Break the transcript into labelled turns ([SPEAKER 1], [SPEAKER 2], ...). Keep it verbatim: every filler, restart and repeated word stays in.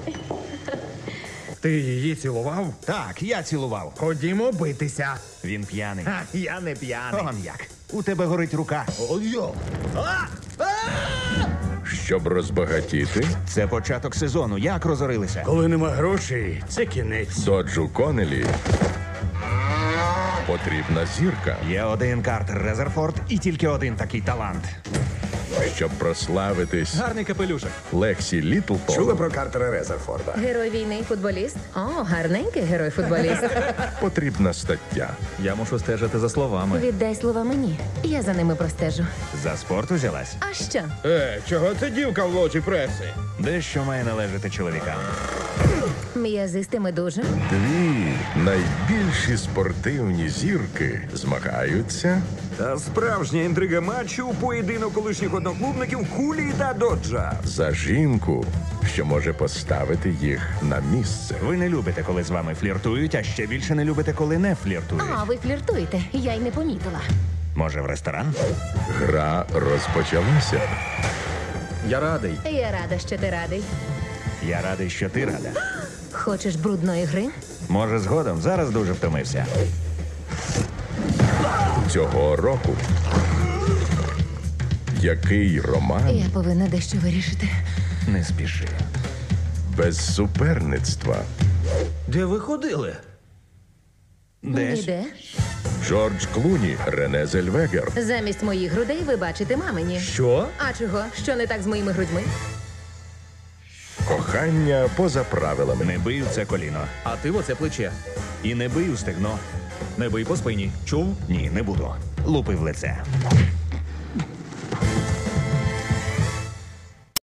[SPEAKER 1] Ти її цілував?
[SPEAKER 2] Так, я цілував.
[SPEAKER 1] Ходімо битися.
[SPEAKER 2] Він п'яний.
[SPEAKER 1] Ха, я не п'яний.
[SPEAKER 2] Он як. У тебе горить рука.
[SPEAKER 1] Ой-йо.
[SPEAKER 3] Щоб розбагатіти,
[SPEAKER 2] Це початок сезону. Як розорилися?
[SPEAKER 1] Коли нема грошей, це кінець.
[SPEAKER 3] Доджу Конелі потрібна зірка.
[SPEAKER 2] Є один Картер Резерфорд і тільки один такий талант.
[SPEAKER 3] Щоб прославитись,
[SPEAKER 4] Гарний капелюшок.
[SPEAKER 3] Лексі Літлтон
[SPEAKER 5] Чули про Картера Резерфорда?
[SPEAKER 6] Герой війни, футболіст. О, гарненький герой-футболіст.
[SPEAKER 3] потрібна стаття.
[SPEAKER 4] Я мушу стежити за словами.
[SPEAKER 6] Віддай слова мені. Я за ними простежу.
[SPEAKER 2] За спорт узялась?
[SPEAKER 6] А що?
[SPEAKER 1] Е, чого це дівка в лоджі преси?
[SPEAKER 2] Дещо має належати чоловікам.
[SPEAKER 6] М'язистими дуже.
[SPEAKER 3] Дві найбільші спортивні зірки змагаються
[SPEAKER 5] Та справжня інтрига матчу – поєдинок колишніх одноклубників Хулії та Доджа.
[SPEAKER 3] за жінку, що може поставити їх на місце.
[SPEAKER 2] Ви не любите, коли з вами фліртують, а ще більше не любите, коли не фліртують.
[SPEAKER 6] А, ви фліртуєте. Я й не помітила.
[SPEAKER 2] Може, в ресторан?
[SPEAKER 3] Гра розпочалася.
[SPEAKER 4] Я радий.
[SPEAKER 6] Я рада, що ти радий.
[SPEAKER 2] Я радий, що ти рада.
[SPEAKER 6] Хочеш брудної гри?
[SPEAKER 2] Може, згодом. Зараз дуже втомився.
[SPEAKER 3] Цього року який роман
[SPEAKER 6] Я повинна дещо вирішити.
[SPEAKER 2] Не спіши.
[SPEAKER 3] без суперництва?
[SPEAKER 1] Де ви ходили?
[SPEAKER 2] Десь.
[SPEAKER 6] Ніде.
[SPEAKER 3] Джордж Клуні, Рене Зельвегер.
[SPEAKER 6] Замість моїх грудей ви бачите мамині.
[SPEAKER 1] Що?
[SPEAKER 6] А чого? Що не так з моїми грудьми?
[SPEAKER 3] Кохання поза правилами.
[SPEAKER 2] Не бий в це коліно.
[SPEAKER 4] А ти в оце плече.
[SPEAKER 2] І не бий у стегно.
[SPEAKER 4] Не бий по спині. Чув?
[SPEAKER 2] Ні, не буду. Лупи в лице.